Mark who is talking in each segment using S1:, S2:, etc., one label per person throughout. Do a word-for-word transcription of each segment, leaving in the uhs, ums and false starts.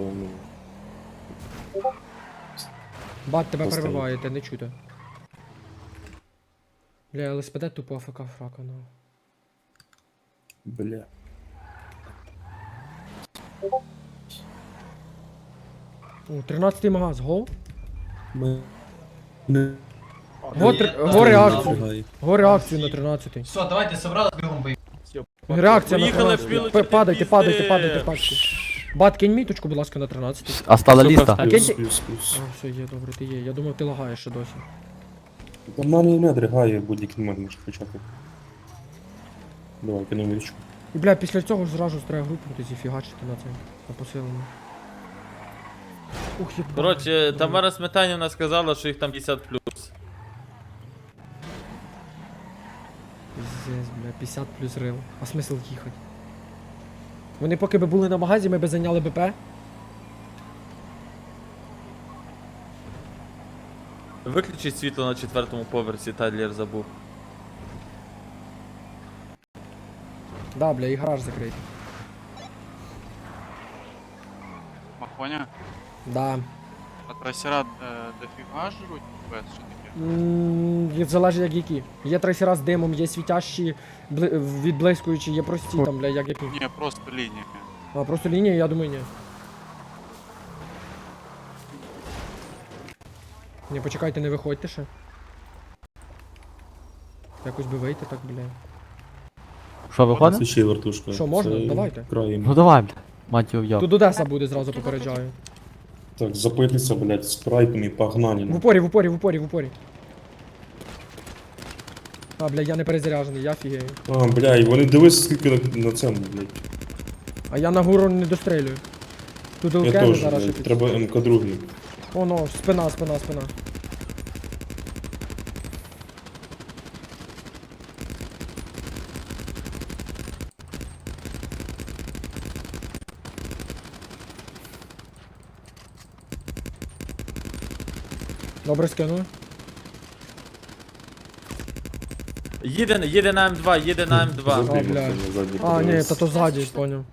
S1: ну...
S2: Бат, тебе
S1: Поставити.
S2: перебиває, те не чути. Бля, ЛСПД тупо АФК фрака, ну.
S1: Бля.
S2: О, тринадцятий магаз, гол?
S1: Ми... Не...
S2: Го, три... го реакцію. Го реакцію на тринадцятий.
S3: Все, давайте собрались, бігом бий.
S2: Реакція на
S4: Поїхали,
S2: тринадцятий.
S4: пілочки,
S2: П- Падайте,
S4: пізди.
S2: падайте, падайте, падайте. Бат, кинь міточку, будь ласка, на тринадцятий.
S5: Остала ліста.
S2: А
S1: Плюс,
S2: кинь...
S1: плюс, плюс.
S2: А, все, є, добре, ти є. Я думав, ти лагаєш ще досі.
S1: Та в мене і не дригає, будь-який момент може почати. Давай, кину мірочку.
S2: І, бля, після цього ж зразу треба групнути, зіфігачити на це, на посилену. Ух, єбать.
S4: Коротше, Тамара Сметанівна сказала, що їх там п'ятдесят плюс.
S2: Пиздец, бля, п'ятдесят плюс рил. А смисл їхати? Вони поки би були на магазі, ми би зайняли БП.
S4: Виключіть світло на четвертому поверсі, Тадлер забув.
S2: Да, бля, і гараж закритий.
S6: Махоня,
S2: Да.
S6: а трасера е, дофіга жруть без що таке?
S2: Ммм, залежить як які. Є трейсера з димом, є світящі, бли... відблискуючі, є прості там, бля, як які.
S6: Ні, просто лінія.
S2: А просто лінія, я думаю, ні. Ні, почекайте, не виходьте ще. Якось би вийти так, бля.
S5: Що, виходить?
S1: Це ще й вертушка.
S2: Що, можна?
S1: Це
S2: Давайте.
S1: краєм.
S5: Ну давай, бля. Мать його в'яв.
S2: Тут Одеса буде, зразу попереджаю.
S1: Так, запитися, блядь, спрайтом і погнали.
S2: В
S1: ну.
S2: упорі, в упорі, в упорі, в упорі. А, бля, я не перезаряжений, я фігею.
S1: А, бля, і вони дивись, скільки на, на цьому, блядь.
S2: А я на гору не дострелюю. Тут
S1: Я
S2: ЛК
S1: теж,
S2: зараз ще
S1: блядь,
S2: під...
S1: треба ем ка два.
S2: О, ну, спина, спина, спина. Добре, скину.
S4: Їде, їде на М два, їде на М два.
S2: А, блядь. А, ні, та то ззаді, поняв.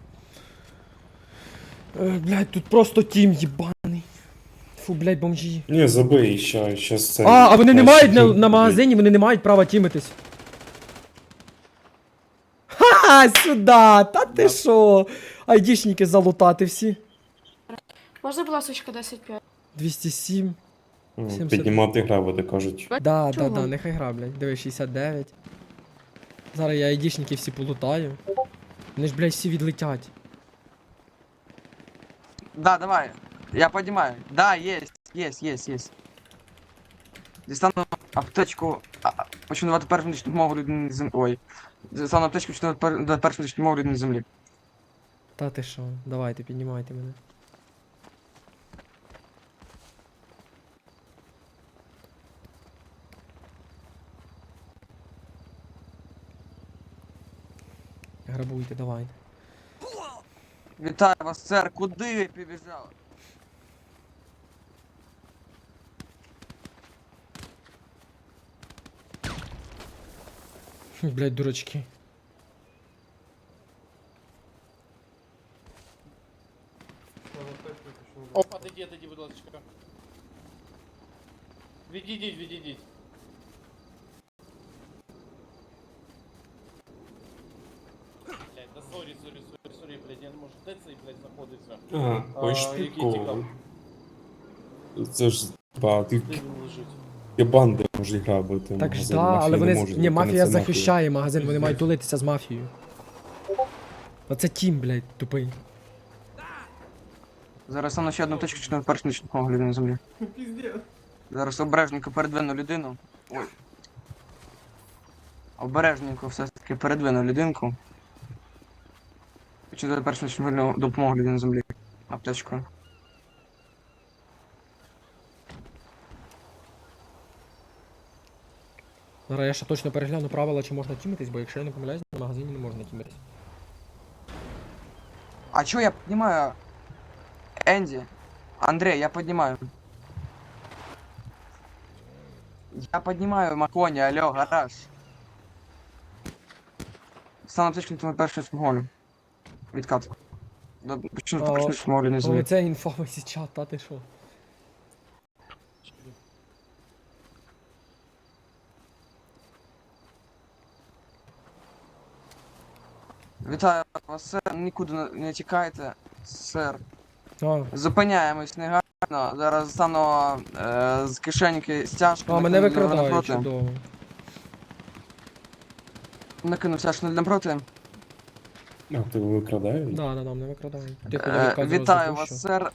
S2: Е, блядь, тут просто тім їбаний. Фу, блядь, бомжі.
S1: Ні, забий, ща, щас це...
S2: А, а вони не
S1: краще
S2: мають на,
S1: тім,
S2: на
S1: блядь.
S2: магазині, вони не мають права тімитись. Ха, сюди, та ти шо? Айдішники залутати всі.
S7: Можна, будь ласка, десять п'ять?
S2: двісті сім.
S1: М,
S2: сімдесят.
S1: Піднімати гравити, кажуть.
S2: Да, да,
S7: Чого?
S2: да, нехай гра, блядь. Диви, шістдесят дев'ять. Зараз я айдішників всі полутаю. Вони ж, блядь, всі відлетять.
S8: Да, давай. Я поднимаю. Да, есть, есть, есть, есть. Дістану аптечку. А, а, Почну давати першу медичну допомогу людині на землі. Ой. Дістану аптечку, почну давати пер- давати першу медичну допомогу людині на землі.
S2: Та ти шо, давайте, піднімайте мене. Грабуйте, давайте.
S8: Вітаю вас, сер. Куди ви побіжали?
S2: Блядь, дурачки.
S4: Опа, отойди, отойди, будь ласка. Відійдіть, відійдіть. Блядь, да сорі, сорі, сорі, сорі, блядь, я не можу. Де цей, блядь, знаходиться?
S1: Ага, ой,
S4: А, який
S1: прикол.
S4: тікав?
S1: Це ж, ба, ти
S4: Де він лежить?
S1: є банди можуть грабити.
S2: Так ж
S1: магазин,
S2: да,
S1: мафія
S2: але
S1: не
S2: вони.
S1: може,
S2: Ні,
S1: яка
S2: мафія
S1: це
S2: захищає магазин, вони мають тулитися з мафією. Оце тім, блядь, тупий.
S8: Зараз стану ще одну аптечку, почну давати першу медичну допомогу людині на землі. Зараз обережненько передвину людину. Ой. Обережненько все-таки передвину людинку. Почну давати першу медичну допомогу людині на землі. Аптечкою.
S2: Зараз я ще точно перегляну правила, чи можна тімитись, бо якщо я не помиляюсь, на магазині не можна тімитись.
S8: А чё я поднимаю? Энди. Андрей, я поднимаю. Я поднимаю Макони, алло, гараж. Стану аптечку на першу смолю. Відкат. До- Почну
S2: А,
S8: почну встановлювання
S2: Але
S8: землі.
S2: це інфовий чат, та ти що?
S8: Вітаю вас, сер. Нікуди не- не тікайте, сер.
S2: А,
S8: Зупиняємось негайно. Зараз стану е, з кишеньки стяжку.
S2: а мене
S8: накину для
S2: викрадають,
S8: напроти.
S2: чудово.
S8: Накину стяжку напроти.
S1: А, тебе викрадають?
S2: Да, да, да, мене викрадають. Тихо, я
S8: Е,
S2: відказу
S8: Вітаю
S2: запущу.
S8: вас, сер.